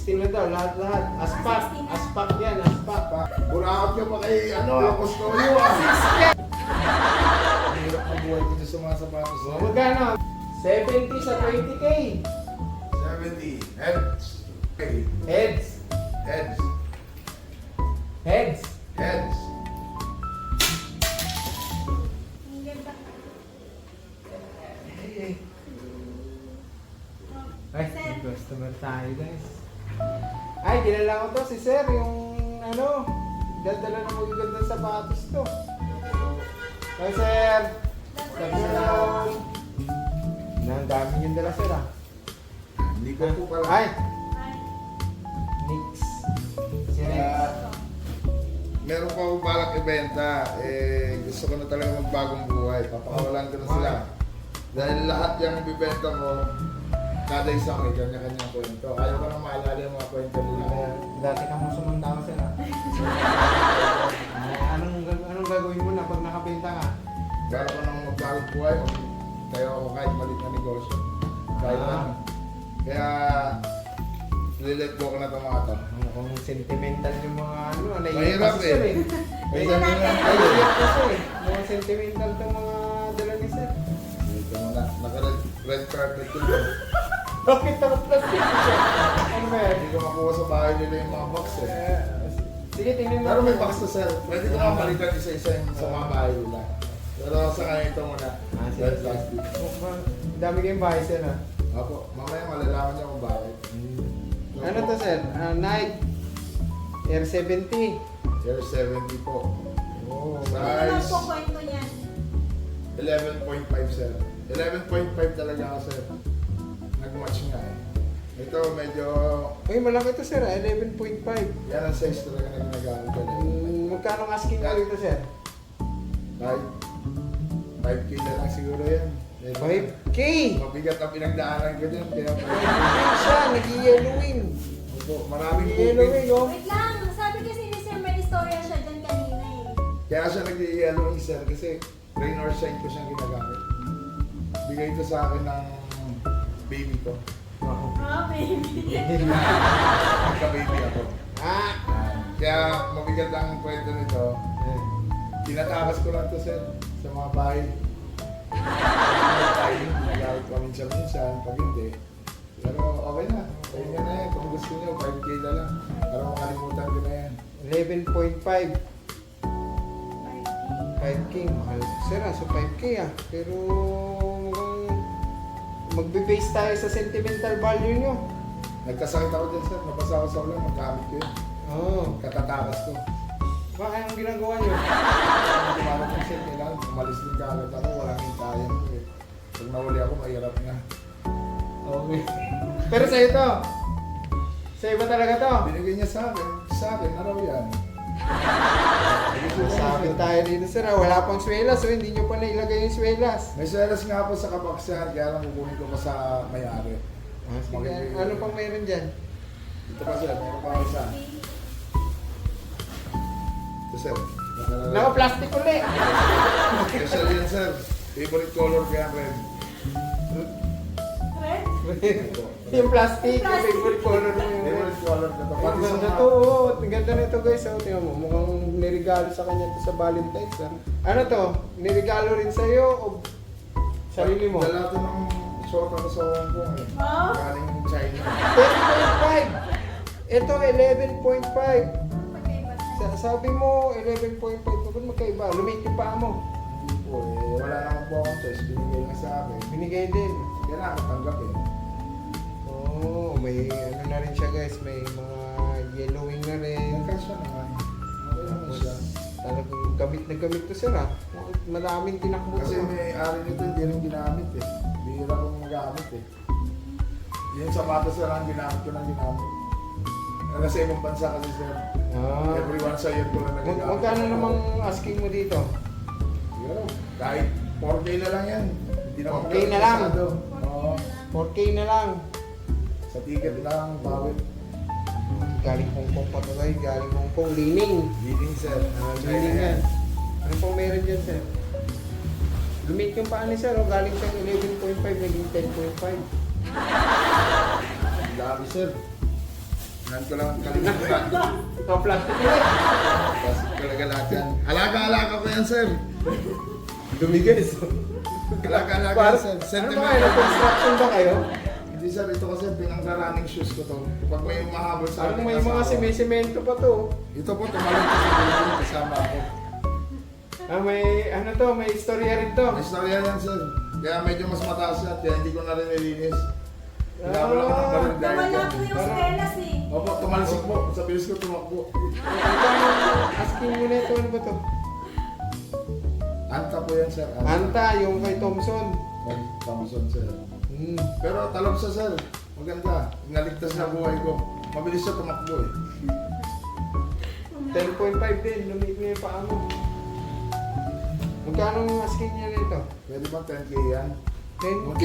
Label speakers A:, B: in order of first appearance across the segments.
A: 16 na daw, lahat-lahat. Aspak,
B: 16 na.
A: aspak yan, aspak.
C: Burakot ka pa kay, Apostolio Ang hirap na buhay ko dyan sa mga sapatos.
A: So, magkano? 70 sa 20K.
C: 70. Heads. Okay.
A: Heads.
C: Heads.
A: Heads.
C: Heads.
B: Ang ganda.
A: Ay, may customer tayo guys. Ay, kilala ko to si Sir, yung dala ng magagandang sapatos to. Hi Sir! Afternoon! Ang dami yung dala Sir ah.
C: Hindi ko po pala.
A: Ay! Nix. Si Rex.
C: Meron pa akong balak ibenta. Gusto ko na talaga magbagong buhay. Papakawalan ko na sila. Dahil lahat yung bibenta mo, kada isang may kanya-kanyang kwento. Ayaw ko na maalala yung mga kwento nila.
A: Kaya, dati ka mo sumandama Sir ah. Ay, anong gagawin mo na pag nakabenta ka?
C: Meron ko nang magbagong buhay. Tayo ako kahit maliit na negosyo. Kahit ano. Kaya, lilet go ko na itong mga to.
A: Mukhang sentimental yung mga
C: Mahirap
A: kasi Sir
C: eh.
B: Ito natin.
A: Naiiyak kasi eh. Mga sentimental itong mga dala ni Sir.
C: Dito muna. Naka-red carpet ko dyan.
A: Bakit ako plastic siya? Ano ba yan?
C: Hindi ko makuha sa bahay nila yung mga box eh.
A: Sige, tingnan
C: Pero may
A: natin.
C: box to sir. Pwede ko nga palitan isa-isa yung sa mga bahay nila. Pero sa kanya ito muna.
A: Sige.
C: Red plastic.
A: Mukhang dami kayong bahay Sir ah.
C: Ako, mamaya malalaman niya kung bakit.
A: Ano to Sir? Nike Air 70.
C: Air 70 po.
A: Oh,
C: Sa-
B: Ano naman
C: Size.
B: po kwento niyan?
C: 11.5 sir. 11.5 talaga ako sir. Nag-match nga eh. Ito medyo,
A: Uy, malaki to Sir ah. 11.5.
C: yan ang size talaga na ginagamit ko.
A: Magkano ang asking ka dito Sir?
C: Kahit 5K na lang siguro yan.
A: 5K!
C: Mabigat ang pinagdaanan ko din. Kaya
A: 5K siya, nag-yellowing.
C: Opo, maraming
A: Nag-yellowing
C: booking.
A: oh.
B: Wait lang. Sabi kasi ni Sir may istorya siya dyan kanina eh.
C: Kaya siya nag-yellowing sir kasi rain or shine ko siyang ginagamit. Bigay ito sa akin ng baby ko.
A: Wow.
B: Ah, baby.
C: Magka-baby ako.
A: Ah!
C: Kaya mabigat ang kwento nito. Tinatakas ko lang to sir sa mga bahay. Nagamit ko minsan-minsan, pag hindi. Pero okay na. Kaya na yan. Kung gusto niyo, 5K na lang. Para makalimutan ko na yan.
A: 11.5. 5K, mahal. Sir ah, so 5K ah. Pero mukhang magbe-base tayo sa sentimental value nyo.
C: Nagkasakit ako dyan sir. Nabasa ako sa ulan. Magkamit ko yun.
A: Oo.
C: Katatakas ko.
A: Bakit ang ginagawa nyo?
C: Tumarap yung sir. Kailangan umalis din kagad ako. Walang hintayan ko eh. Pag nahuli ako, mahirap na.
A: Okay. Pero sa ito, sa iba talaga to.
C: Binigay niya sa akin. Sa akin, na raw yan.
A: Sabi tayo dito sir ah, wala pang swelas so hindi nyo pa nailagay yung swelas.
C: May selas nga po sa kapaksahan, kaya lang kukunin ko pa sa may-ari.
A: Ah, sige. Ano pang meron dyan?
C: Ito pa sir, meron pa isa. Ito sir.
A: Naka-plastic ulit.
C: Special yan sir. Favorite color kaya red.
B: Red?
C: Ito.
A: Yung plastic, yung favorite color mo yun.
C: Favorite color na to.
A: Ang
C: Pati sa
A: ganda
C: mga...
A: to, oh. Ang ganda nito guys. Oh. Tingnan mo, mukhang nirigalo sa kanya to sa Valentine's. Ah. Ano to? Nirigalo rin sa'yo o sarili mo?
C: Dala to ng short ako sa Hong Kong eh.
B: Oh?
C: Galing China.
A: 10.5. Ito, 11.5.
B: Magkaiba siya.
A: Sabi mo, 11.5. Bakit magkaiba? Lumit yung paa mo.
C: Hindi po eh. Wala naman po akong choice. Binigay nga sa akin.
A: Binigay din.
C: Kaya na ako tanggapin.
A: Oo, may ano na rin siya guys. May mga yellowing na rin.
C: Nagkasya naman. Okay naman siya.
A: Talagang gamit na gamit to sir ah. Maraming tinakbo
C: Kasi
A: to.
C: may ari nito hindi rin ginamit eh. Bihira kong magamit eh. Yung sapatos na lang ginamit ko ng ginamit. Nasa ibang bansa kasi sir.
A: Ah.
C: Everyone sa year ko lang nagagamit.
A: Magkano namang asking mo dito?
C: Siguro, kahit 4K na lang yan. Hindi naman
A: 4K na lang?
C: masyado. Oo.
A: 4K na lang.
C: Sa ticket lang, bawit.
A: Galing Hong Kong pa to guys. Galing Hong Kong. Lining.
C: Leading sir.
A: Lining yan. Ano pong meron dyan sir? Lumit yung paa ni sir. Oh. Galing siyang 11.5 naging 10.5.
C: Dami sir. Nan ko lang kalimutan.
A: Ito, plastic ulit.
C: Kasi talaga lahat yan. Alaga-alaga ko yan, sir.
A: Dumi guys.
C: Alaga-alaga yan, sir.
A: Ano ba
C: Sentiment.
A: kayo? Nag-construction ba kayo?
C: Hindi, sir. Ito kasi pinang-running shoes ko to. Pag may umahabol sa
A: Parang
C: akin,
A: may
C: kasama
A: mga
C: ko.
A: semento pa to.
C: Ito po, tumalong ko sa building kasama ako.
A: May ano to, may istorya rin to.
C: May storya yan, sir. Kaya medyo mas mataas yan. Kaya hindi ko na rin nilinis. Pinabala ko ng baril dahil
B: Nawala
C: yan.
B: po yung stelas eh.
C: Opo, tumalsik po. Sa bilis ko tumakbo.
A: Asking mo na ito, ano ba to?
C: Anta po yan, sir.
A: Anta, yung kay Thompson.
C: Ay, Thompson, sir.
A: Hmm.
C: Pero talab siya, sir. Maganda. Naligtas na buhay ko. Mabilis siya tumakbo eh.
A: 10.5 din, lumit mo yung paa mo. Magkano yung asking niya nito?
C: Pwede ba 10K yan?
A: 10K!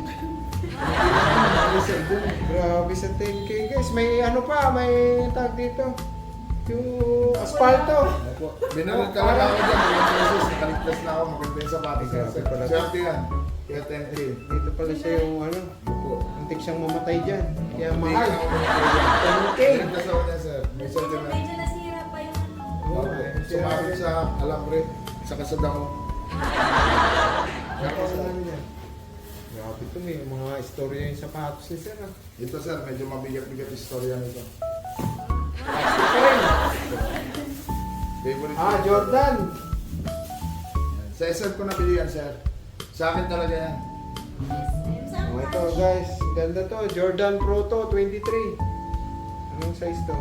C: Sir, dun eh.
A: Grabe sa 10K guys. May ano pa, may tag dito. Yung asfalto.
C: Opo. Binaril talaga ako dyan. Mga beses, nakaligtas na ako. Maganda yung sapatos niya, sir.
A: Grabe pala.
C: Swerte yan. Kaya 10K.
A: Dito pala siya yung ano,
C: Opo.
A: antik siyang mamatay dyan. Kaya
C: Hindi
A: mahal.
C: ka na ako mga
A: 10K!
C: Naligtas ako niya, sir. May sentiment.
B: Medyo nasira pa yung ano.
C: Opo. Sumabit sa alambre. Sa kasada ko.
A: Grabe sa ano niya. Grabe ito, may mga istorya yung sapatos ni Sir. Ah.
C: Ito, sir. Medyo mabigat-bigat istorya nito.
A: Plastic pa rin.
C: Favorite.
A: Ah, Jordan.
C: Sa SM ko nabili yan, sir. Sa akin talaga yan.
B: Saan
A: Oh, ito
B: branch?
A: guys, ganda to. Jordan Pro to, 23. Anong size to?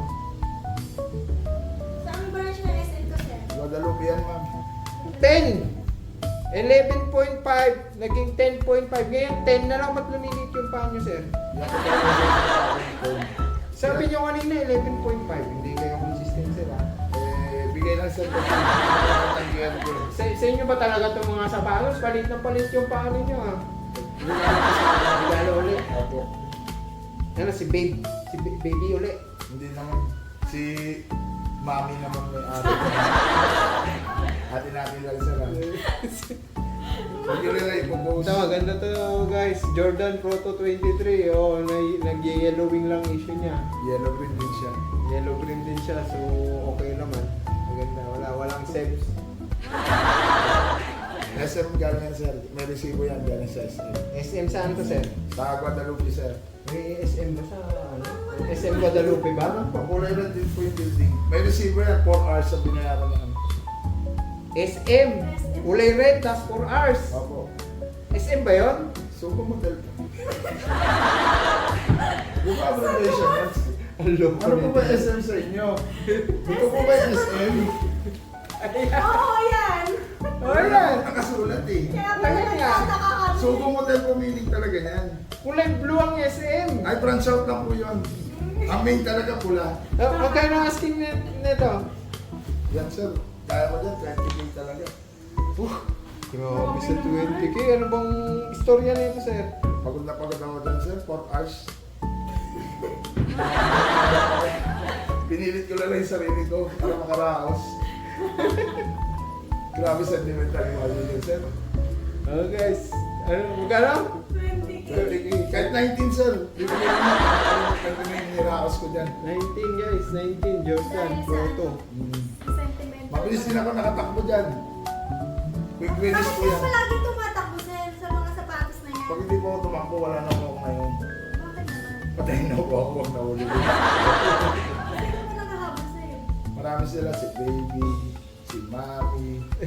B: Saan branch ng SM to, sir?
C: Guadalupe yan, ma'am.
A: 10! 11.5, naging 10.5. Ngayon, 10 na lang. Ba't lumilit yung paa nyo, sir?
C: Yan ko talaga sir.
A: Sabi nyo kanina, 11.5. Hindi kayo consistent, sir, ha?
C: Bigay lang sir kasi tanggihan ko.
A: Sa inyo ba talaga itong mga sapatos? Palit na palit yung paa ninyo, ha? Regalo ulit.
C: Opo.
A: Ano, si Babe? Si Baby ulit.
C: Hindi naman. Si Mami naman may ate. Ate natin lang sir. Huwag yun rin ipopost.
A: Ito, maganda to guys. Jordan Pro to 23. Oh, nag-yellowing lang issue niya.
C: Yellow green din siya.
A: Yellow green din siya, so okay naman. Maganda, walang sebs.
C: SM galing yan sir. May resibo yan galing sa SM.
A: SM saan to, sir?
C: Sa Guadalupe sir.
A: May SM ba sa ano? SM Guadalupe ba?
C: Pakulay lang din po yung building. May resibo yan. 4 hours sa binayaran niya.
A: SM! Kulay red, tas 4 hours.
C: Opo.
A: SM ba yun?
C: Suko model ka. Di ba abbreviation yan? Ano po ba SM sa inyo? Ito po ba yung SM?
B: Oo, yan!
A: Oh, yan!
C: Nakasulat eh.
B: Kaya pala
A: Ayun nga.
B: nagtataka kami.
C: Suko model po meaning talaga yan.
A: Kulay blue ang SM.
C: Ay, branch out lang po yun. Ang main talaga pula.
A: Magkano ang asking nito?
C: Yan sir. Kaya ko dyan, 20K talaga.
A: Grabe sa 20K. Ano bang istorya nito, sir?
C: Pagod na pagod ako dyan sir, 4 hours. Pinilit ko lang yung sarili ko para makaraos. Grabe sentimental yung mga yun sir.
A: Oh guys, ano, magkano?
B: 20K.
A: 20K.
C: Kahit 19 sir, bibigyan ko na. Kahit na yung niraos ko dyan.
A: 19 guys, 19 Jordan Proto.
B: Sentimental.
C: Mabilis din ako nakatakbo dyan. Quick wins
B: Bakit
C: po
B: ka
C: yan.
B: palagi tumatakbo, sir, sa mga sapatos na yan?
C: Pag hindi po ako tumakbo, wala na po ako ngayon.
B: Bakit naman?
C: Patayin na po ako, huwag na ulit.
B: Sino ba nakahabol sa'yo?
C: Marami sila, si Baby, si Mami,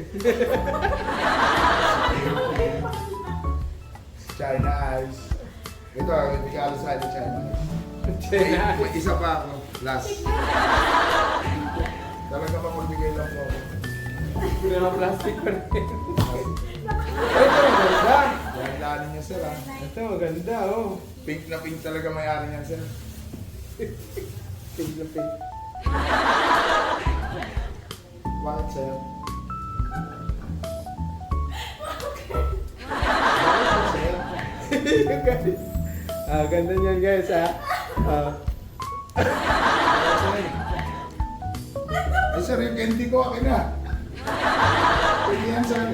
C: si China Eyes. Ito, hindi ka alas sa China Eyes. May isa pa ako, last. Talaga pa magbigay lang po ako.
A: Plastic pa rin. Ito, maganda.
C: Yan, lanin niya sir ha.
A: Ito, maganda, oh.
C: Pink na pink talaga may-ari niyan sir.
A: Pink na pink.
C: Bakit sir?
A: Guys. Ganda niyan guys, ha.
C: Ay sir, yung candy ko akin na. Pwede yan sir.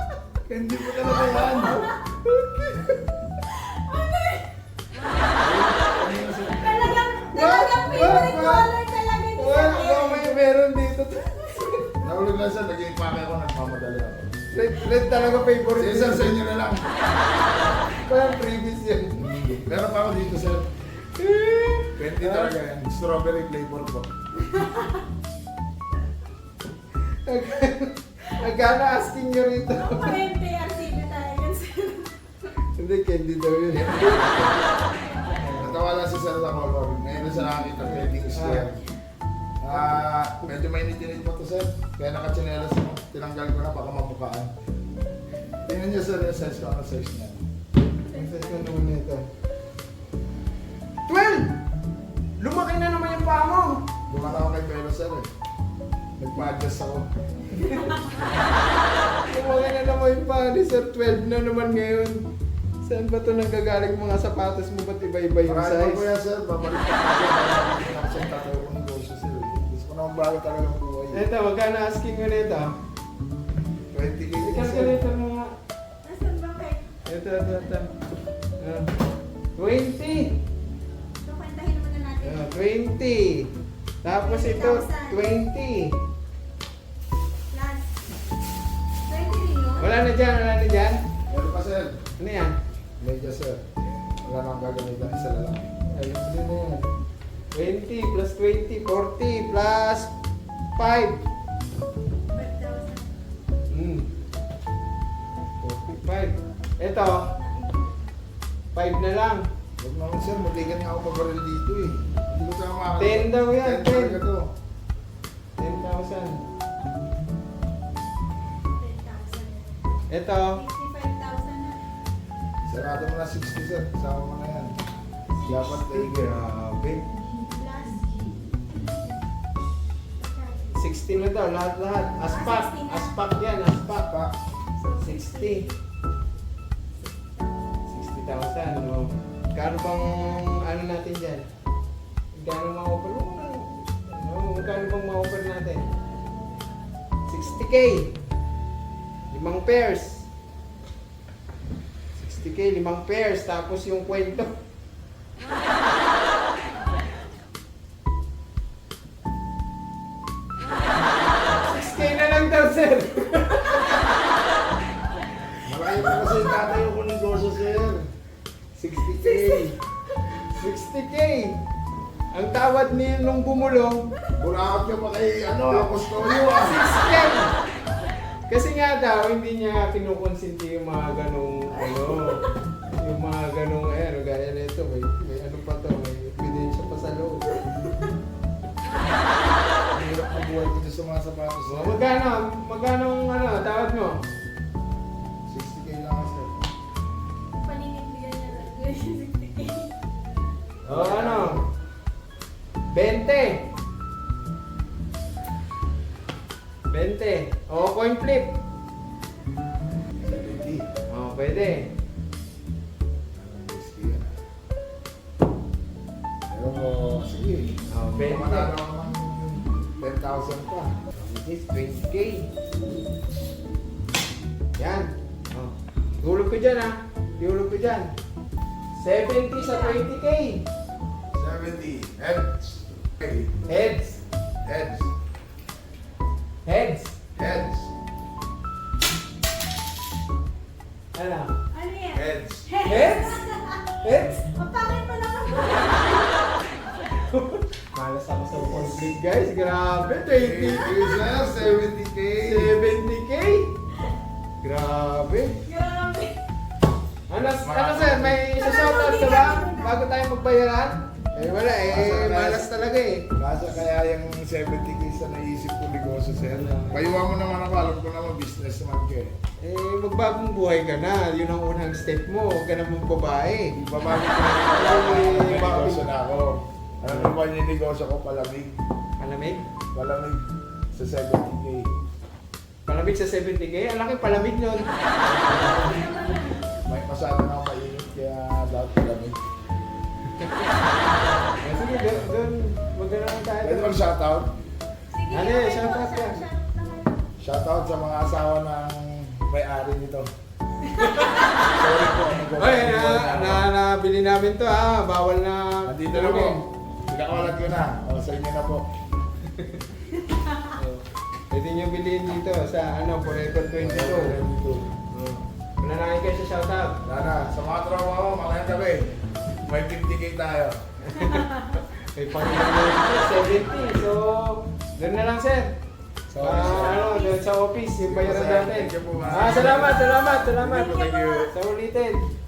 C: Candy ko talaga yan.
A: Red talaga favorite.
C: Sige sir, sa inyo na lang.
A: Parang previous yan.
C: Meron pa ako dito sir. 20 talaga yan. Strawberry flavor po.
A: Nagkana asking nyo rito.
B: 20 RCB tayo yan, sir.
A: Hindi, candy daw yun.
C: Natawa lang si sir sa color. Ngayon na siya nakakita ng heading square. Medyo mainit-init pa to sir. Kaya nakachinelas mo. Tinanggal ko na baka mabukaan. Tingnan niyo sir yung size ko. Ano size niya?
A: Ang size na naman nito. 12! Lumaki na naman yung paa mo.
C: Lumala ako kay Pero sir eh. Nagpa-adjust ako.
A: Lumaki na naman yung paa ni Sir. 12 na naman ngayon. Saan ba ito nanggagaling mga sapatos mo? Ba't iba-iba yung
C: Marami pa po
A: size?
C: yan sir. Babalik pa ako. Babalik pa siya tatayo ko ng negosyo sir. Gusto ko naman bago talagang buhay.
A: Ito, magkano asking mo nito?
C: 20k din sir.
A: I-calculator mo nga.
B: Nasaan ba kayo?
A: Ito. 20!
B: So, kwentahin muna natin.
A: 20! Tapos ito, 20!
B: Plus. 20 rin yun?
A: Wala na dyan.
C: Meron pa sir.
A: Ano yan?
C: Medyo sir. Wala nang gagamitan. Isa na lang.
A: Ayun din na yan. 20 plus 20, 40 plus 5.
B: 5,000.
A: 45. Ito, 5 na lang.
C: Huwag naman sir. Matigan nga ako mabaril dito eh. Hindi ko tayo makakita.
A: 10 daw yan,
C: 10 talaga to.
A: 10,000.
B: 10,000.
A: Ito,
B: 55,000 na.
C: Sarado mo na 60 sir. Kasama mo na yan. Dapat tiger.
A: grabe.
B: Plus.
A: 16 na daw, lahat. Aspak.
B: 16 na.
A: Aspak yan, aspak.
C: Pa.
A: 60. 60,000, no? Kano bang ano natin dyan? Kano ma-offer? Kano bang ma-offer natin? 60K. 5 pairs. 60K, 5 pairs. Tapos yung kwento. 6K na lang daw, sir.
C: Malaki pa kasi tatayo ko ng negosyo sir.
A: 60K. 60K. Ang tawad niyo nung bumulong,
C: Burakot ka pa kay Apostolio ah.
A: 6K. Kasi nga daw, hindi niya kinukonsinti yung mga ganong, yung mga ganong, gaya nito, may ano pa to, may ebidensya pa sa loob.
C: Ang hirap na buhay ko dyan sa mga sapatos
A: So,
C: sir.
A: magkano tawad mo?
C: 60k lang sir.
B: Paninigbigan niya lang. 60K.
A: O 20. 20. O, coin flip.
C: 70.
A: O, pwede.
C: Whiskey yan ah. Pero sige.
A: O, 20.
C: Manalo ako ng 10,000 pa.
A: This is 20K. Yan. O. Tulog ko dyan Tulog ko dyan. 70 sa 20K.
C: 70. Heads. Okay.
A: Heads.
C: Heads.
A: Heads.
C: Heads.
B: Ano yan?
C: Heads.
A: Heads? Heads?
B: Ang pangit pa naman.
A: Malas ako sa conflict, guys. Grabe. 20K.
C: Sir, 70k.
A: 70K. Grabe.
B: Grabe.
A: Ano sir, may isa-shoutout ka ba? Bago tayo magbayaran? Wala malas talaga
C: Nasa kaya yung 70k sa naisip ko negosyo, sir. Payuha mo naman ako, alam ko naman business naman ka eh.
A: Magbagong buhay ka na. Yun ang unang step mo. Huwag ka na mong babae.
C: Babago ko na ako, may negosyo na ako. Alam mo ba yung negosyo ko, palamig.
A: Palamig?
C: Palamig sa 70k.
A: Palamig sa 70K? Ang laki palamig nun.
C: May masyado na ako mainit, kaya dapat palamig.
A: Sige, doon. Huwag na naman tayo.
C: Pwede mag shoutout?
B: Sige,
A: Ano
B: okay,
A: shoutout ka?
B: shoutout naman.
C: Shoutout sa mga asawa ng may-ari nito. Sorry po,
A: Ay, nabili namin to Bawal na.
C: Nandito na po. Pinakawalan ko na. O, sa inyo na po.
A: Ito Pwede nyo bilhin dito sa ano, Forever 22. Wala na kayo sa shoutout.
C: Nana, sa mga tropa ko, makayang gabi. May 50k tayo.
A: May Panginoon dito, 70. So, doon na lang, sir. Doon sa office, yung bayaran natin.
C: Thank you po, ma'am.
A: Salamat.
C: Thank you.
A: Sa ulitin.